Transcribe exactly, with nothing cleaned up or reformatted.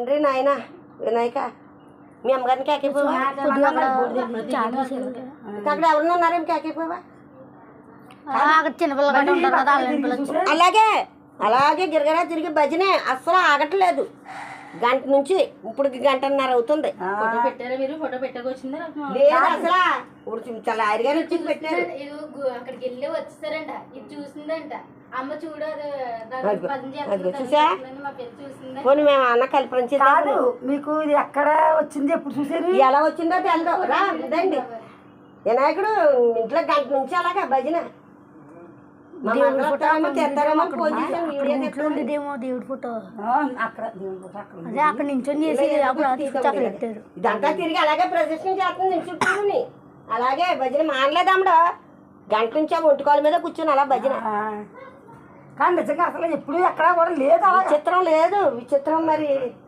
తండ్రి నాయన వినాయక మీ అమ్మగారిని కేకైపోవా? అక్కడ ఎవరన్నా ఉన్నారేం కేకైపోవా? అలాగే అలాగే గిరగరా తిరిగి భజనే అస్సలు ఆగట్లేదు. గంట నుంచి ఇప్పుడు గంటన్నర అవుతుంది. ఫోటో పెట్టారా మీరు? ఫోటో పెట్టకొచ్చిందా? లేదు అసలు ఇప్పుడు చాలా ఆరిగానే వచ్చి పెట్టారు. అక్కడికి వెళ్ళి వచ్చేసారంట. ఇది చూసిందంట అమ్మ చూడు చూసా పోనీ మేము అన్న కల్పన కాదు మీకు ఇది ఎక్కడ వచ్చింది ఎప్పుడు చూసారు? ఎలా వచ్చిందో తెలదు రా ఇదండి వినాయకుడు ఇంట్లో గంట నుంచి అలాగా భజన దేవుడి ఫోటో అక్కడ దేవుడి ఫోటో అక్కడ అదే అక్కడ నించొని చేసి అక్కడ పెట్టారు. ఇదంతా తిరిగి అలాగే ప్రదర్శన చేస్తుంది నిల్చుంటుంది. అలాగే భజన మానలేదమ్మడు గంట నుంచి ఆ ఒంటికాల మీద కూర్చొని అలా భజన. కానీ నిజంగా అసలు ఎప్పుడు ఎక్కడా కూడా లేదు. విచిత్రం లేదు విచిత్రం మరి